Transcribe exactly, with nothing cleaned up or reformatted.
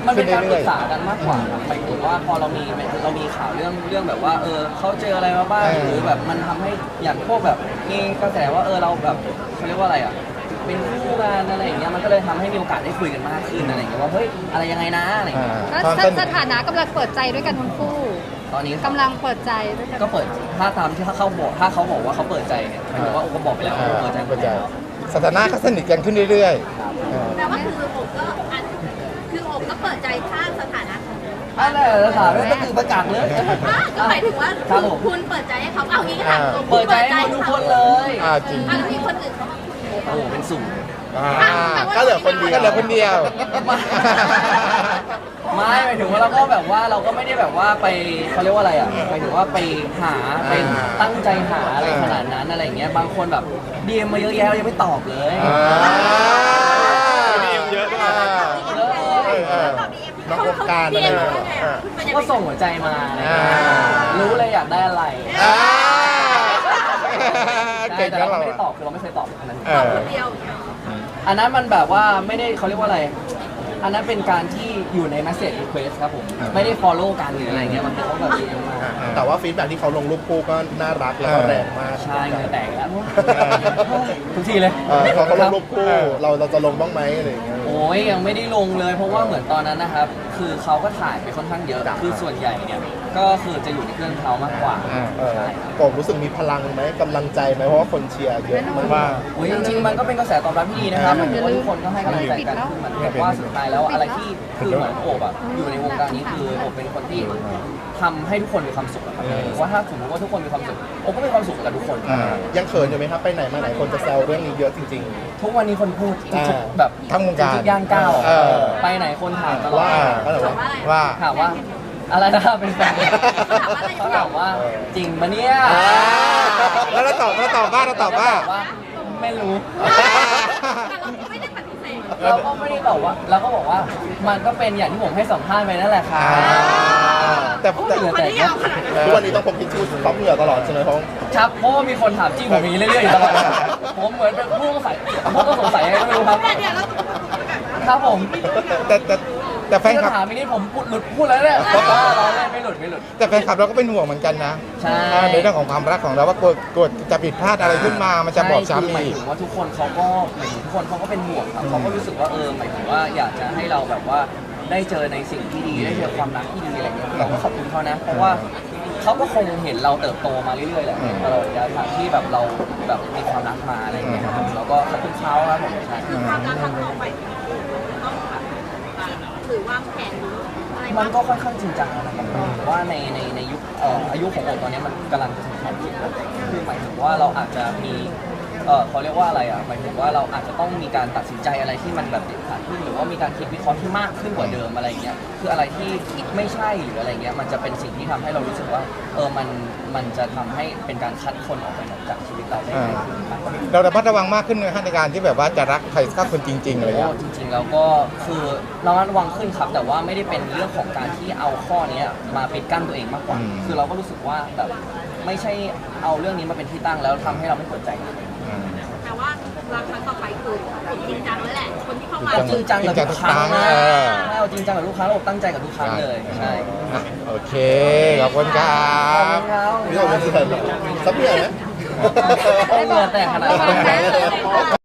มันเป็ขึ้นนการปรึเรื่อยกษากันมากกว่าครับหมายถึงว่าพอเรามีเรามีข่าวเรื่องเรื่องแบบว่าเออเขาเจออะไรมาบ้างหรือแบบมันทำให้อย่างพวกแบบมีกระแสว่าเออเราแบบเขาเรียกว่าอะไรอ่ะเป็นคู่กันอะไรอย่างเงี้ยมันก็เลยทำให้มีโอกาสได้คุยกันมากขึ้นอะไรอย่างเงี้ยว่าเฮ้ยอะไรยังไงนะอะไรอย่างๆอ่าเงี้ยแล้วตอนสต้นสถานะกำลังเปิดใจด้วยกันทั้งคู่ตอนนี้กำลังเปิดใจด้วยกันก็เปิดถ้าตามที่เขาบอกถ้าเขาบอกว่าเขาเปิดใจเนี่ยหมายถึงว่าโอ้ก็บอกไปแล้วว่าเปิดใจเปิดใจสถานะก็สนิทกันขึ้นเรื่อยๆเออแต่ว่าคืออกก็อันคืออกก็เปิดใจข้างสถานะของอะไรจะถามไม่ต้องตื่นประกาศเลยอ่ะก็หมายถึงว่าครับผมคุณเปิดใจให้เขาเอางี้ก็ถามตัวเปิดใจให้ทุกคนเลยอ่าจริงอ่ะแล้วมีคนอื่นเขามาคุยโอ้โหเป็นสุ่มอ่าก็เหลือคนเดียวก็เหลือคนเดียวไม่หมายถึงว่าเราก็แบบว่าเราก็ไม่ได้แบบว่าไปเขาเรียกว่าอะไรอ่ะหมายถึงว่าไปหาไปตั้งใจหาอะไรขนาดนั้นอะไรอย่างเงี้ยบางคนแบบดีเอ็มมาเยอะแยะเรายังไม่ตอบเลยอ่าดีเอ็มเยอะด้วยอ่าเยอะเลยเออนักวงการเรีนะยนเนี่ยว่าไงอ่าอ่ะคุณก็ส่งหัวใจมาอะไรอย่างเงี้ยอ่ารู้เลยอยากได้อะไรอ่าใช่เก่งแต่นะเราเราไม่ได้ตอบคือเราไม่เคยตอบอันนั้นเออคนเดียวอย่างเงี้ยอันนั้นมันแบบว่าไม่ได้เขาเรียกว่าอะไร อันนั้นเป็นการที่อยู่ใน message request ครับผม ไม่ได้ follow กันหรืออะไรเงี้ยมันเป็นเขาแบบดีมากแต่ว่าฟีดแบ็กที่เขาลงรูปคู่ก็น่ารักแล้วก็แรงมากใช่เหงื่อแตกแล้วทุกทีเลยเออพอเขาลงรูปคู่เราเราจะลงบ้างไหมอะไรอย่างเงี้ยโอ้ยยังไม่ได้ลงเลย เพราะว่าเหมือนตอนนั้นนะครับ คือเขาก็ถ่ายไปค่อนข้างเยอะ คือส่วนใหญ่เนี่ยก็คือจะอยู่ในเครื่องเขามากกว่าอ่าเออใช่ครับผมรู้สึกมีพลังไหมกำลังใจไหมเพราะว่าคนเชียร์เยอะมากว่าโอ้ยจริงๆมันก็เป็นกระแสตอบรับที่ดีนะครับหมายถึงว่าทุกคนก็ให้กำลังใจกันคือเหมือนกับว่าสุดท้ายแล้วอะไรที่คือเหมือนโอบอะอยู่ในวงการนี้คือโอบเป็นคนที่ทำให้ทุกคนมีความสุขอะครับว่าถ้าสมมติว่าทุกคนมีความสุขโอบก็มีความสุขกับทุกคนอ่ายังเขินอยู่ไหมครับไปไหนมาไหนคนจะแซวเรื่องนี้เยอะจริงทุกวันนี้คนพูดทุกอ่าๆแบบทั้งวงการทุกๆย่างก้าวเออไปไหนคนถามตลอดว่าก็เลยถามว่าว่าอะไรว่าถามว่าอะไรนะเป็นแฟนเขาถามว่าอะไรเขาถามว่าจริงปะเนี่ยอ่าแล้วเราตอบเราตอบว่าเราตอบว่าไม่รู้แต่เราไม่ได้ปฏิเสธเราก็ไม่ได้ตอบว่าเราก็บอกว่ามันก็เป็นอย่างที่ผมให้สัมภาษณ์ไปนั่นแหละค่ะอ่าแต่แต่เหลือมันแต่ได้ยาวขนาดนั้นทุกวันนี้ต้องพกทิชชู่ซับเหงื่อตลอดใช่ไหมเพราะครับเพราะว่ามีคนถามจริงผมอย่างนี้เรื่อยๆอยู่ตลอดผมเหมือนเป็นผู้สงสัยผู้ต้องสงสัยอะไรก็ไม่รู้ครับแต่เดี๋ยวเราต้องมาคุยกันว่าครับผมแต่แต่แต่แฟนที่คลับถามอีกนี่ผมพูดหลุดพูดแล้วเนี่ยเราเล่นไม่หลุดไม่หลุดแต่แฟนคลับเราก็เป็นห่วงเหมือนกันนะใช่อ่าในเรื่องของความรักของเราว่ากลัวกลัวจะผิดพลาดอะไรขึ้นมามันจะบอบใช่คือหช้ำมายอีกถึงว่าทุกคนเขาก็หมายถึงทุกคนเขาก็เป็นห่วงครับเขาก็รู้สึกว่าเออหมายถึงว่าอยากจะให้เราแบบว่าได้เจอในสิ่งที่ดีได้เจอความรักที่ดีอะไรเงี้ยเราก็ขอบคุณเขานะ เพราะว่าเขาก็คงเห็นเราเติบโตมาเรื่อยๆแหละตลอดระยะทางที่แบบเราแบบมีความรักมาอะไรเงี้ยครับเราก็ขอบคุณเขาครับผมใช่คือความรักครั้งต่อไปต้องแบบหรือวางแผนอะไรมับ้าน งก็ค่อนข้างจริงจังนะครับว่าในในในยุคเอ่ออายุของโอบตอนนี้มันกำลังจะถึงความคิดแล้วคือหมายถึงว่าเราอาจจะมีเออเขาเรียกว่าอะไรอ่ะหมายถึงว่าเราอาจจะต้องมีการตัดสินใจอะไรที่มันแบบเด็ดขาดขึ้นหรือว่ามีการคิดวิเคราะห์ที่มากขึ้นกว่าเดิมอะไรเงี้ยคืออะไรที่ไม่ใช่หรืออะไรเงี้ยมันจะเป็นสิ่งที่ทำให้เรารู้สึกว่าเออมันมันจะทำให้เป็นการคัดคนออกไปจากชีวิตเราได้ง่ายขึ้นมากกว่าเราระมัดระวังมากขึ้นในในการที่แบบว่าจะรักใครสักคนจริงๆอะไรอย่างโอ้เงี้ยจริงๆแล้วก็คือเราระวังขึ้นครับแต่ว่าไม่ได้เป็นเรื่องของการที่เอาข้อนี้มาปิดกั้นตัวเองมากกว่า คือเราก็รู้สึกว่าแบบไม่ใช่เอาเรื่องนี้มาเป็นที่ตั้งแล้วทำให้เราไม่เปิดใจกันอืมแต่ว่ารักครั้งต่อไปคือผมจริงจังแล้วแหละ คนที่เข้ามาเอาจริงจังกับทุกครั้งนะเออใช่เอาจริงจังกับทุกครั้งเราตั้งใจกับทุกครั้งเลยใช่อ่ะโอเค ขอบคุณครัขอบบ คุณครับนี่เราเป็นที่ไหนซับเหงื่อไหมเหงื่อแตกขนาดนั้น